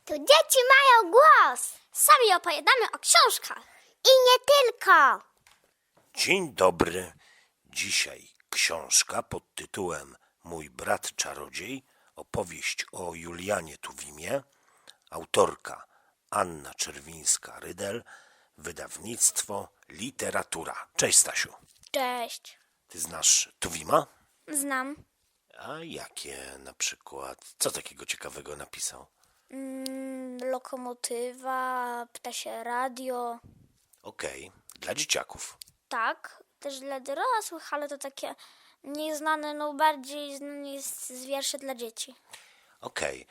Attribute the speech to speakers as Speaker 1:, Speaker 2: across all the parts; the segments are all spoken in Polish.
Speaker 1: Tu dzieci mają głos.
Speaker 2: Sami opowiadamy o książkach.
Speaker 1: I nie tylko.
Speaker 3: Dzień dobry. Dzisiaj książka pod tytułem Mój brat czarodziej, opowieść o Julianie Tuwimie, autorka Anna Czerwińska-Rydel, wydawnictwo Literatura. Cześć, Stasiu.
Speaker 2: Cześć.
Speaker 3: Ty znasz Tuwima?
Speaker 2: Znam.
Speaker 3: A jakie na przykład? Co takiego ciekawego napisał?
Speaker 2: Lokomotywa, ptasie radio.
Speaker 3: Okej, dla dzieciaków.
Speaker 2: Tak, też dla dorosłych, ale to takie nieznane, no bardziej znane jest z wierszy dla dzieci.
Speaker 3: Okej.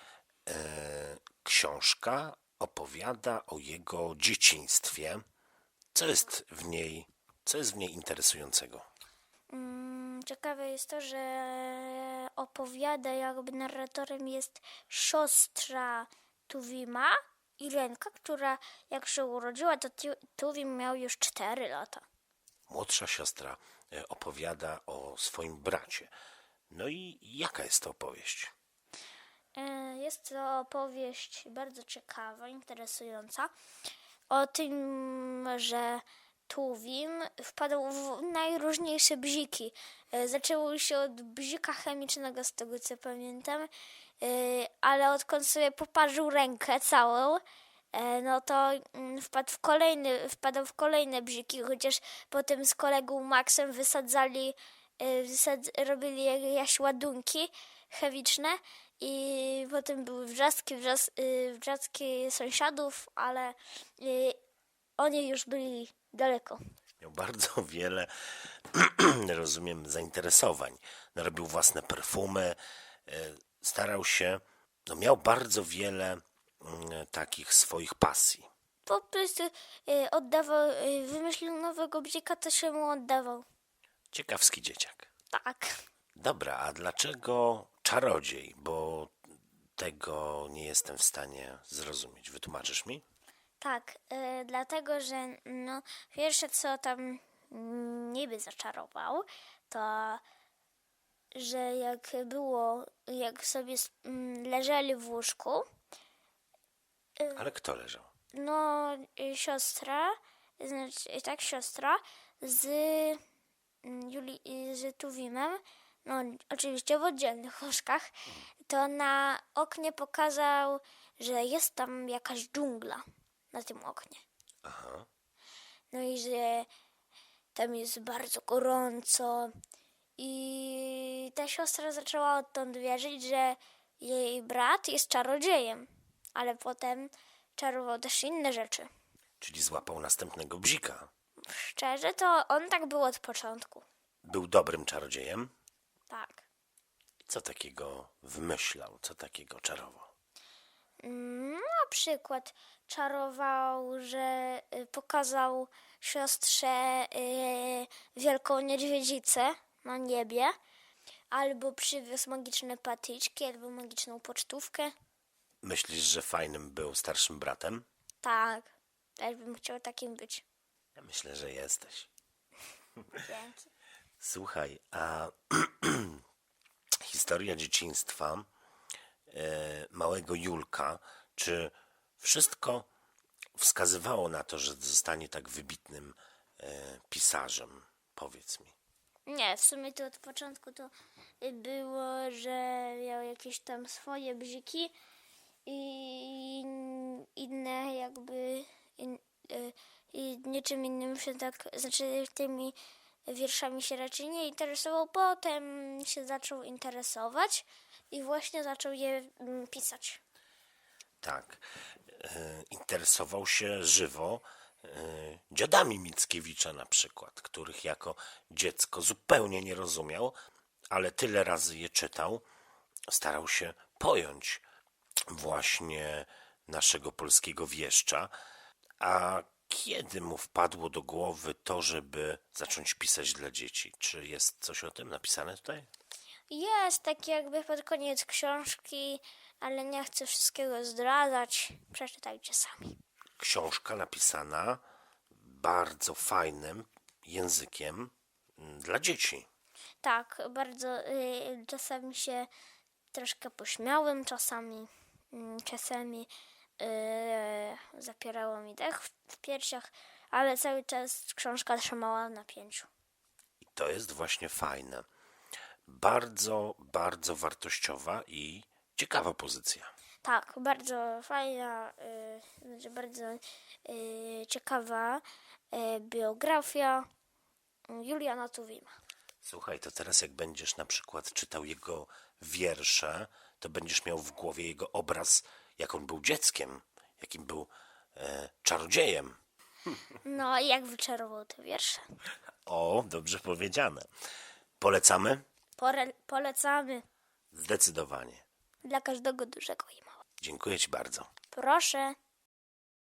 Speaker 3: Książka opowiada o jego dzieciństwie. Co jest w niej interesującego?
Speaker 2: Ciekawe jest to, że opowiada, jakby narratorem jest siostra Tuwima, Irenka, która jak się urodziła, to Tuwim miał już 4 lata.
Speaker 3: Młodsza siostra opowiada o swoim bracie. No i jaka jest to opowieść?
Speaker 2: Jest to opowieść bardzo ciekawa, interesująca o tym, że Tuwim wpadł w najróżniejsze bziki. Zaczęło się od bzika chemicznego, z tego co pamiętam, ale odkąd sobie poparzył rękę całą, no to wpadał w kolejne bziki, chociaż potem z kolegą Maxem robili jakieś ładunki chemiczne i potem były wrzaski sąsiadów, ale oni już byli daleko.
Speaker 3: Miał bardzo wiele, rozumiem, zainteresowań. Narobił własne perfumy, starał się, miał bardzo wiele takich swoich pasji.
Speaker 2: Po prostu wymyślił nowego bzika, to się mu oddawał.
Speaker 3: Ciekawski dzieciak.
Speaker 2: Tak.
Speaker 3: Dobra, a dlaczego czarodziej? Bo tego nie jestem w stanie zrozumieć. Wytłumaczysz mi?
Speaker 2: Tak, dlatego, że no, pierwsze co tam niby zaczarował, to że jak sobie leżeli w łóżku,
Speaker 3: Ale kto leżał?
Speaker 2: no siostra z z Tuwimem, no oczywiście w oddzielnych łóżkach, to na oknie pokazał, że jest tam jakaś dżungla na tym oknie.
Speaker 3: Aha.
Speaker 2: No i że tam jest bardzo gorąco i ta siostra zaczęła odtąd wierzyć, że jej brat jest czarodziejem, ale potem czarował też inne rzeczy.
Speaker 3: Czyli złapał następnego bzika.
Speaker 2: Szczerze, to on tak był od początku.
Speaker 3: Był dobrym czarodziejem.
Speaker 2: Tak.
Speaker 3: Co takiego wymyślał? Co takiego czarował?
Speaker 2: Na przykład czarował, że pokazał siostrze wielką niedźwiedzicę na niebie, albo przywiózł magiczne patyczki, albo magiczną pocztówkę.
Speaker 3: Myślisz, że fajnym był starszym bratem?
Speaker 2: Tak, też bym chciał takim być.
Speaker 3: Ja myślę, że jesteś.
Speaker 2: Dzięki.
Speaker 3: Słuchaj, a historia dzieciństwa małego Julka, czy wszystko wskazywało na to, że zostanie tak wybitnym pisarzem? Powiedz mi.
Speaker 2: Nie, w sumie to od początku to było, że miał jakieś tam swoje bziki i inne i niczym innym się tak, znaczy tymi wierszami się raczej nie interesował. Potem się zaczął interesować i właśnie zaczął je pisać.
Speaker 3: Tak, interesował się żywo dziadami Mickiewicza na przykład, których jako dziecko zupełnie nie rozumiał, ale tyle razy je czytał, starał się pojąć właśnie naszego polskiego wieszcza. A kiedy mu wpadło do głowy to, żeby zacząć pisać dla dzieci? Czy jest coś o tym napisane tutaj?
Speaker 2: Jest tak jakby pod koniec książki, ale nie chcę wszystkiego zdradzać. Przeczytajcie sami.
Speaker 3: Książka napisana bardzo fajnym językiem dla dzieci.
Speaker 2: Tak, bardzo czasami się troszkę pośmiałem, czasami zapierało mi dech w piersiach, ale cały czas książka trzymała w napięciu.
Speaker 3: I to jest właśnie fajne. Bardzo, bardzo wartościowa i ciekawa pozycja.
Speaker 2: Tak, bardzo fajna, bardzo ciekawa biografia Juliana Tuwima.
Speaker 3: Słuchaj, to teraz jak będziesz na przykład czytał jego wiersze, to będziesz miał w głowie jego obraz, jak on był dzieckiem, jakim był czarodziejem.
Speaker 2: No i jak wyczarował te wiersze.
Speaker 3: O, dobrze powiedziane. Polecamy?
Speaker 2: Polecamy
Speaker 3: Zdecydowanie.
Speaker 2: dla każdego dużego i małego.
Speaker 3: Dziękuję Ci bardzo.
Speaker 2: Proszę.